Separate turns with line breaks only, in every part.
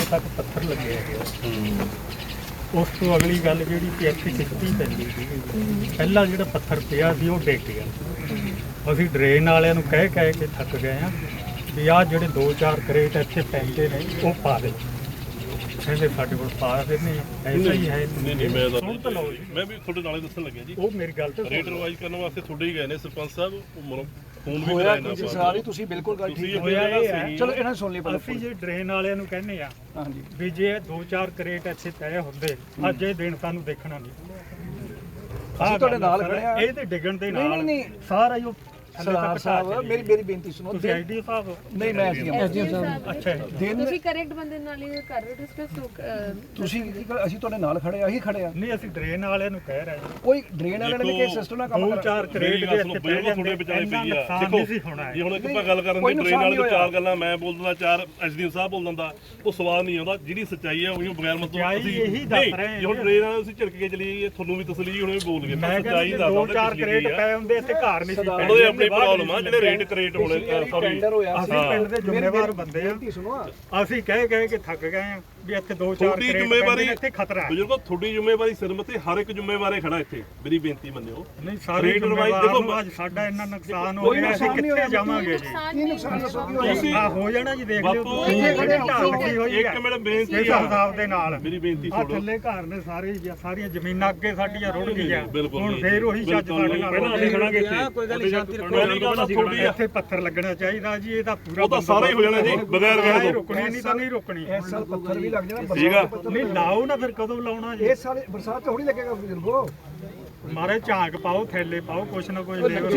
ਤੱਕ ਪੱਥਰ ਲੱਗੇ ਹੈਗੇ। ਉਸ ਤੋਂ ਅਗਲੀ ਗੱਲ ਜਿਹੜੀ ਕਿ ਇੱਥੇ ਕਿਸ਼ਤੀ ਪੈਂਦੀ ਸੀ, ਪਹਿਲਾਂ ਜਿਹੜਾ ਪੱਥਰ ਪਿਆ ਸੀ ਉਹ ਡਿੱਗ ਗਿਆ। ਅਸੀਂ ਡਰੇਨ ਵਾਲਿਆਂ ਨੂੰ ਕਹਿ ਕੇ ਥੱਕ ਗਏ ਹਾਂ ਵੀ ਆਹ ਜਿਹੜੇ 2-4 ਕਰੇਟ ਇੱਥੇ ਪੈਂਦੇ ਨੇ ਉਹ ਪਾ ਦੇ। ਕਹਿੰਦੇ ਸਾਡੇ ਕੋਲ ਪਾ ਦਿੰਦੇ ਆ, ਐਸਾ ਹੀ ਹੈ।
ਨਹੀਂ ਮੈਂ ਵੀ ਤੁਹਾਡੇ ਨਾਲੇ ਦੱਸਣ ਲੱਗਿਆ ਜੀ,
ਉਹ ਮੇਰੀ ਗੱਲ ਤੇ
ਰੇਟ ਰਿਵਾਈਜ਼ ਕਰਨ ਵਾਸਤੇ ਤੁਹਾਡੇ ਹੀ ਗਏ ਨੇ ਸਰਪੰਚ ਸਾਹਿਬ, ਫੋਨ ਵੀ
ਹੋਇਆ
ਕਰਾਇਆ
ਤੁਸੀਂ ਸਾਰੀ ਤੁਸੀਂ ਬਿਲਕੁਲ ਗੱਲ ਠੀਕ
ਹੋਇਆ ਇਹ ਹੈ।
ਚਲੋ ਇਹਨਾਂ ਸੁਣ ਲਈ
ਅਸੀਂ ਜੇ ਡਰੇਨ ਵਾਲਿਆਂ ਨੂੰ ਕਹਿੰਦੇ ਆ
ਹਾਂਜੀ
ਵੀ ਜੇ 2-4 ਕਰੇਟ ਇੱਥੇ ਪਏ ਹੁੰਦੇ ਅੱਜ ਇਹ ਦਿਨ ਸਾਨੂੰ ਦੇਖਣਾ ਨਹੀਂ।
ਅਸੀਂ ਤੁਹਾਡੇ ਨਾਲ ਖੜੇ ਆ।
ਇਹ ਤੇ ਡਿੱਗਣ ਦੇ ਨਾਲ
ਨਹੀਂ।
ਸਾਰਾ ਹੀ
ਸਰਦਾਰ ਸਾਹਿਬ ਮੇਰੀ ਬੇਨਤੀ ਸੁਣੋ।
ਤੁਸੀਂ ਆਈਡੀ ਸਾਹਿਬ
ਨਹੀਂ ਮੈਂ ਐਸਡੀਐਮ ਸਾਹਿਬ।
ਅੱਛਾ
ਤੁਸੀਂ ਕਰੈਕਟ ਬੰਦੇ ਨਾਲ ਹੀ ਕਰ ਰਹੇ ਹੋ ਡਿਸਕਸ।
ਤੁਸੀਂ ਅਸੀਂ ਤੁਹਾਡੇ ਨਾਲ ਖੜੇ ਆ, ਅਸੀਂ ਖੜੇ ਆ।
ਨਹੀਂ ਅਸੀਂ ਡਰੇਨ ਵਾਲਿਆਂ ਨੂੰ ਕਹਿ ਰਹੇ ਹਾਂ
ਕੋਈ ਡਰੇਨ ਵਾਲੇ ਨੇ ਕਿ ਸਿਸਟਮ ਨਾਲ ਕੰਮ ਕਰਾ।
2-4 ਕਰੇਟ ਦੇ ਇੱਥੇ ਪੈ ਜਾਂਦੇ
ਤੁਹਾਡੇ ਵਿਚਾਲੇ ਪਈ ਆ।
ਦੇਖੋ ਨਹੀਂ ਸੀ ਹੋਣਾ
ਜੀ ਹੁਣ ਇੱਕ ਆਪਾਂ ਗੱਲ ਕਰਨ ਦੀ ਟ੍ਰੇਨ ਵਾਲੇ ਤੋਂ 4 ਗੱਲਾਂ ਮੈਂ ਬੋਲ ਦਿੰਦਾ, 4 ਐਸਡੀਐਮ ਸਾਹਿਬ ਬੋਲ ਦਿੰਦਾ, ਉਹ ਸਵਾਦ ਨਹੀਂ ਆਉਂਦਾ। ਜਿਹੜੀ ਸੱਚਾਈ ਆ ਉਹੀ ਬਗੈਰ ਮਤਲਬ ਅਸੀਂ
ਇਹੀ ਦੱਸ ਰਹੇ ਹਾਂ।
ਹੁਣ ਟ੍ਰੇਨ ਵਾਲੇ ਤੁਸੀਂ ਝਿੜਕ ਕੇ ਚਲੀ ਗਏ, ਤੁਹਾਨੂੰ ਵੀ ਤਸਲੀ ਹੁਣ ਬੋਲ ਗਏ।
ਮੈਂ
ਸੱਚਾਈ
ਕਹਿੰਦਾ
ਦੱਸਦਾ
2-4 ਕਰੇਟ ਪਏ ਹੁੰਦੇ ਇੱਥੇ ਘਰ ਨਹੀਂ ਸੀ ਪੈਂਦੇ।
ਉਹਨਾਂ ਦੇ ਆਪਣੀ ਪ੍ਰੋਬਲਮ ਆ, ਜਿਹੜੇ ਰੇਟ ਕਰੇਟ ਹੋਣੇ ਸੌਰੀ
ਟੈਂਡਰ ਹੋਇਆ ਸੀ।
ਅਸੀਂ ਪਿੰਡ ਦੇ ਜ਼ਿੰਮੇਵਾਰ ਬੰਦੇ ਆ।
ਬੇਨਤੀ ਸੁਣੋ,
ਅਸੀਂ ਕਹਿ ਕੇ ਥੱਕ ਗਏ ਆ ਵੀ ਇੱਥੇ 2-4
ਤੁਹਾਡੀ
ਕਰੇਟ
ਜ਼ਿੰਮੇਵਾਰੀ
ਇੱਥੇ ਖਤਰਾ ਹੈ।
ਬਜ਼ੁਰਗੋ ਤੁਹਾਡੀ ਜ਼ਿੰਮੇਵਾਰੀ ਸਿਰ ਮੱਥੇ ਹਰ ਇੱਕ ਜ਼ਿੰਮੇਵਾਰੇ ਖੜਾ ਇੱਥੇ। ਮੇਰੀ ਬੇਨਤੀ ਮੰਨਿਓ।
ਨਹੀਂ ਸਾਰੇ
ਰੇਟ ਰਿਵਾਈਜ਼
ਦੇਖੋ ਅੱਜ ਸਾਡਾ ਇੰਨਾ ਨੁਕਸਾਨ ਹੋ ਗਿਆ, ਅਸੀਂ ਕਿੱਥੇ ਜਾਵਾਂਗੇ ਜੀ?
ਕੀ ਨੁਕਸਾਨ ਦੱਸੋ ਕੀ ਹੋਇਆ?
ਆ ਹੋ ਜਾਣਾ ਜੀ, ਦੇਖ ਲਿਓ
ਬਾਪੂ,
ਤੁਸੀਂ ਕਿਹੜੇ ਢਾਲ ਲੱਗੀ ਹੋਈ ਹੈ।
ਇੱਕ ਮਿੰਟ ਬੇਨਤੀ
ਇਸ ਹਿਸਾਬ ਦੇ ਨਾਲ
ਮੇਰੀ ਬੇਨਤੀ
ਆ
ਸੁਣੋ।
ਥੱਲੇ ਘਰ ਨੇ ਸਾਰੇ ਸਾਰੀਆਂ ਜ਼ਮੀਨਾਂ ਅੱਗੇ ਸਾਡੀਆਂ ਰੁੜ ਗਈਆਂ।
ਬਿਲਕੁਲ
ਹੁਣ ਫੇਰ ਉਹੀ ਛੱਜ ਸਾਡੇ ਨਾਲ
ਪਹਿਲਾਂ ਅਸੀਂ ਖੜਾਂਗੇ ਇੱਥੇ। ਕੋਈ ਗੱਲ ਨਹੀਂ, ਸ਼ਾਂਤੀ ਰੱਖੋ।
ਇੱਥੇ ਪੱਥਰ ਲੱਗਣਾ ਚਾਹੀਦਾ ਜੀ, ਇਹਦਾ ਪੂਰਾ
ਉਹ ਤਾਂ ਸਾਰਾ ਹੀ ਹੋ ਜਾਣਾ ਜੀ, ਬਗੈਰ ਕਹਿ ਦੋ।
ਰੁਕਣੀ ਨਹੀਂ ਤਾਂ ਨਹੀਂ ਰੁਕਣੀ।
ਇਸ ਸਾਲ ਪੱਥਰ ਵੀ ਲੱਗ ਜਾਣਾ।
ਠੀਕ ਆ।
ਨਹੀਂ ਲਾਓ ਨਾ, ਫਿਰ ਕਦੋਂ ਲਾਉਣਾ ਜੀ?
ਇਸ ਸਾਲ ਬਰਸਾਤ ਥੋੜੀ ਲੱਗੇਗਾ ਬਜ਼ੁਰਗੋ।
ਮਾਰੇ ਝਾਂਕ ਪਾਓ, ਥੈਲੇ ਪਾਓ, ਕੁਛ ਨਾ ਕੁਛ ਲੇਬਰ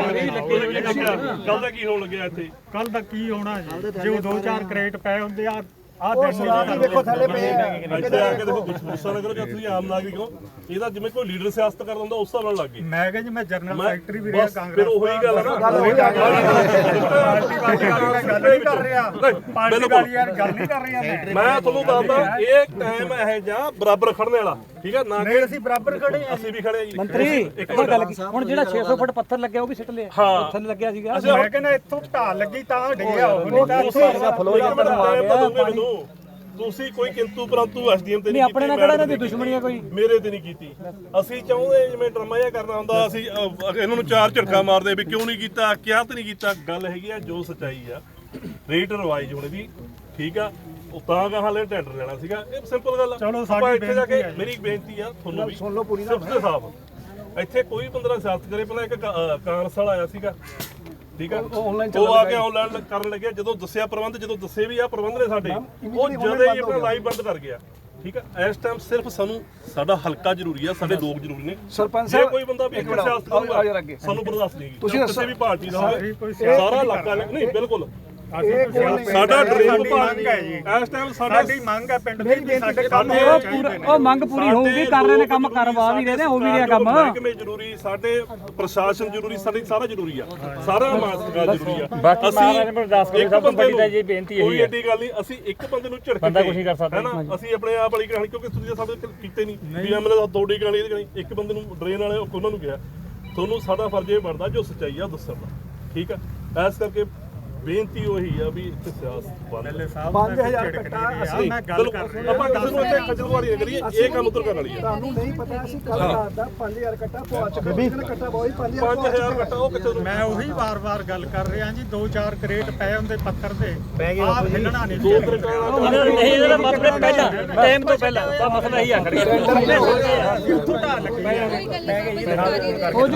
ਕੱਲ ਦਾ ਕੀ ਹੋਣ ਲੱਗਿਆ ਇੱਥੇ?
ਕੱਲ ਦਾ ਕੀ ਹੋਣਾ ਜੀ? ਜੇ 2-4 ਕਰੇਟ ਪਏ ਹੁੰਦੇ ਆ
ਉਹ ਸਲਾਦ ਵੀ ਦੇਖੋ ਥੱਲੇ ਪਏ ਆ।
ਇੱਥੇ ਆ ਕੇ ਦੇਖੋ ਗੁੱਸਾ ਨਾ ਕਰੋ ਕਿ ਤੁਸੀਂ ਆਮ ਨਾਗਰਿਕ ਹੋ। ਇਹਦਾ ਜਿਵੇਂ ਕੋਈ ਲੀਡਰ ਸਿਆਸਤ ਕਰਦਾ ਹੁੰਦਾ ਉਸ ਹਿਸਾਬ ਨਾਲ ਲੱਗ ਗਏ।
ਮੈਂ ਕਿਹਾ ਜੀ ਮੈਂ ਜਨਰਲ ਸੈਕਟਰੀ ਵੀ ਰਿਹਾ ਕਾਂਗਰਸ।
ਫਿਰ ਉਹੀ ਗੱਲ ਹੈ ਨਾ,
ਗੱਲ ਹੋਈ ਆ
ਪਾਰਟੀ ਵਾਲੀ ਗੱਲ ਨਹੀਂ ਕਰ ਰਿਹਾ। ਪਾਰਟੀ ਵਾਲੀ ਯਾਰ ਗੱਲ ਨਹੀਂ ਕਰ ਰਿਹਾ
ਮੈਂ ਤੁਹਾਨੂੰ ਦੱਸਦਾ ਇਹ ਟਾਈਮ ਇਹ ਜਾਂ ਬਰਾਬਰ ਖੜਨੇ ਵਾਲਾ। ਠੀਕ ਹੈ ਨਾ,
ਨਹੀਂ ਅਸੀਂ ਬਰਾਬਰ ਖੜੇ ਆ।
ਅਸੀਂ ਵੀ ਖੜੇ ਆ ਜੀ।
ਮੰਤਰੀ ਇੱਕ ਗੱਲ ਹੁਣ ਜਿਹੜਾ 600 ਫੁੱਟ ਪੱਥਰ ਲੱਗਿਆ ਉਹ ਵੀ ਸਿੱਟ ਲਿਆ।
ਹਾਂ
ਥੱਲੇ ਲੱਗਿਆ ਸੀਗਾ।
ਮੈਂ ਕਹਿੰਦਾ ਇੱਥੋਂ ਢਾਲ ਲੱਗੀ ਤਾਂ ਡਿੱਗਿਆ ਉਹ ਨਹੀਂ ਤਾਂ
ਤੁਸੀਂ ਕੋਈ ਕਿੰਤੂ ਪਰੰਤੂ ਐਸਡੀਐਮ ਤੇ
ਨਹੀਂ ਆਪਣੇ ਨਾਲ ਕਿਹੜਾ ਇਹਨਾਂ ਦੀ ਦੁਸ਼ਮਣੀ ਹੈ ਕੋਈ?
ਮੇਰੇ ਤੇ ਨਹੀਂ ਕੀਤੀ। ਅਸੀਂ ਚਾਹੁੰਦੇ ਜਿਵੇਂ ਡਰਾਮਾ ਜਿਹਾ ਕਰਨਾ ਹੁੰਦਾ, ਅਸੀਂ ਇਹਨਾਂ ਨੂੰ 4 ਝਟਕਾ ਮਾਰਦੇ ਵੀ ਕਿਉਂ ਨਹੀਂ ਕੀਤਾ, ਕਿਹਾ ਤੇ ਨਹੀਂ ਕੀਤਾ। ਗੱਲ ਹੈਗੀ ਆ ਜੋ ਸੱਚਾਈ ਆ, ਰੇਟ ਰਿਵਾਈਜ਼ ਹੋਣੇ ਦੀ। ਠੀਕ ਆ, ਉਹ ਤਾਂ ਕਹਾਂ ਲੈ ਟੈਂਡਰ ਲੈਣਾ ਸੀਗਾ, ਇਹ ਸਿੰਪਲ ਗੱਲ ਆ।
ਚਲੋ
ਆਪਾਂ ਇੱਥੇ ਜਾ ਕੇ ਮੇਰੀ ਇੱਕ ਬੇਨਤੀ ਆ ਤੁਹਾਨੂੰ ਵੀ,
ਸੁਣ ਲਓ ਪੂਰੀ ਨਾ।
ਸਿਰਫ ਤੇ ਸਾਫ ਇੱਥੇ ਕੋਈ ਬੰਦਾ ਸਿਆਸਤ ਕਰੇ। ਪਹਿਲਾਂ ਇੱਕ ਕਾਂਗਰਸ ਵਾਲਾ ਆਇਆ ਸੀਗਾ, ਠੀਕ ਆ, ਉਹ ਆ ਕੇ ਆਨਲਾਈਨ ਕਰਨ ਲੱਗਿਆ। ਜਦੋਂ ਦੱਸਿਆ ਪ੍ਰਬੰਧ, ਜਦੋਂ ਦੱਸੇ ਵੀ ਆ ਪ੍ਰਬੰਧ ਨੇ ਸਾਡੇ, ਉਹ ਜਦੋਂ ਹੀ ਆਪਣਾ ਲਾਈਵ ਬੰਦ ਕਰ ਗਿਆ। ਠੀਕ ਆ, ਇਸ ਟਾਈਮ ਸਿਰਫ ਸਾਨੂੰ ਸਾਡਾ ਹਲਕਾ ਜ਼ਰੂਰੀ ਆ, ਸਾਡੇ ਲੋਕ ਜ਼ਰੂਰੀ ਨੇ।
ਸਰਪੰਚ
ਜੇ
ਸਾਹਿਬ
ਕੋਈ ਬੰਦਾ ਵੀ
ਇੱਕ ਮਿੰਟ
ਸਿਆਸਤ
ਆਓ ਯਾਰ
ਕਰੂਗਾ
ਅੱਗੇ।
ਸਾਨੂੰ ਬਰਦਾਸ਼ਤ ਨਹੀਂ
ਤੁਸੀਂ
ਕਿਸੇ ਵੀ ਪਾਰਟੀ ਦਾ ਹੋਵੇ,
ਕੋਈ
ਸਾਰਾ ਇਲਾਕਾ ਨਹੀਂ। ਬਿਲਕੁਲ ਸਾਡਾ ਡ੍ਰੀਮ ਪਾਰਟੀ ਹੈ ਜੀ। ਇਸ ਟਾਈਮ
ਸਾਡੀ ਮੰਗ ਹੈ ਪਿੰਡ ਦੀ ਵੀ ਸਾਡੇ ਕੰਮ
ਉਹ ਮੰਗ ਪੂਰੀ ਹੋਊਗੀ, ਕਰ ਰਹੇ ਨੇ ਕੰਮ, ਕਰਵਾ ਵੀ ਰਹੇ ਨੇ, ਹੋ ਵੀ ਰਿਹਾ ਕੰਮ।
ਮਹਿਕਮੇ ਜ਼ਰੂਰੀ, ਸਾਡੇ ਪ੍ਰਸ਼ਾਸਨ ਜ਼ਰੂਰੀ, ਸਾਡੇ ਸਾਰਾ ਜ਼ਰੂਰੀ ਆ, ਸਾਰਾ ਮਾਸਕਾ ਜ਼ਰੂਰੀ ਆ।
ਬਾਕੀ ਮਹਾਰਾਜ ਨੂੰ ਅਰਦਾਸ ਕਰੋ, ਸਭ ਤੋਂ ਵੱਡੀ ਤਾਂ ਇਹ ਬੇਨਤੀ
ਕੋਈ ਏਡੀ ਗੱਲ ਨਹੀਂ, ਅਸੀਂ ਇੱਕ ਬੰਦੇ ਨੂੰ ਝਿੜਕ
ਬੰਦਾ ਕੁਝ ਨਹੀਂ ਕਰ ਸਕਦਾ।
ਹੈਨਾ, ਅਸੀਂ ਆਪਣੇ ਆਪ ਵਾਲੀ ਕਹਾਣੀ, ਕਿਉਂਕਿ ਤੁਸੀਂ ਸਾਡੇ ਕੀਤੇ ਨਹੀਂ ਵੀ ਐਮਐਲਏ ਦਾ ਦੋੜੀ ਕਹਾਣੀ ਇਹਦੀ ਕਹਾਣੀ। ਇੱਕ ਬੰਦੇ ਨੂੰ ਡਰੇਨ ਵਾਲੇ ਉਹਨਾਂ ਨੂੰ ਕਿਹਾ, ਤੁਹਾਨੂੰ ਸਾਡਾ ਫਰਜ਼ ਇਹ ਬਣਦਾ ਜੋ ਸੱਚਾਈ ਆ ਦੱਸਣ ਦਾ। ਠੀਕ ਆ, ਇਸ ਕਰਕੇ ਬੇਨਤੀ ਉਹੀ ਆ ਵੀ ਇੱਥੇ ਸਿਆਸਤ ਬੰਦ।
5000 ਕੱਟਾ ਅਸੀਂ
ਮੈਂ ਗੱਲ ਕਰ ਰਿਹਾ।
ਆਪਾਂ ਕਿਸੇ ਨੂੰ ਇੱਥੇ ਖਜਲਵਾਰੀ ਨਾ ਕਰੀਏ, ਇਹ ਕੰਮ ਉਤਰ ਕਰਨ ਵਾਲੀ ਆ।
ਤੁਹਾਨੂੰ ਨਹੀਂ ਪਤਾ ਅਸੀਂ ਕੱਲ ਰਾਤ ਦਾ 5000 ਕੱਟਾ ਪਵਾ ਚੁੱਕੇ ਹਾਂ। ਕੱਟਾ ਬਹੁਤ
5000 ਕੱਟਾ ਉਹ ਕਿੱਥੇ
ਮੈਂ ਉਹੀ ਵਾਰ-ਵਾਰ ਗੱਲ ਕਰ ਰਿਹਾ ਜੀ। 2-4 ਕਰੇਟ ਪਏ ਹੁੰਦੇ ਪੱਥਰ ਦੇ, ਆਹ ਹਿੱਲਣਾ ਨਹੀਂ।
ਦੋ ਤਰੀਕੇ
ਨਹੀਂ ਇਹਦਾ ਮਤਲਬ ਪਹਿਲਾਂ ਟਾਈਮ ਤੋਂ ਪਹਿਲਾਂ ਦਾ ਮਸਲਾ ਹੀ ਆ ਖੜਿਆ।
ਕੋਈ ਗੱਲ ਨਹੀਂ, ਸਰਕਾਰੀ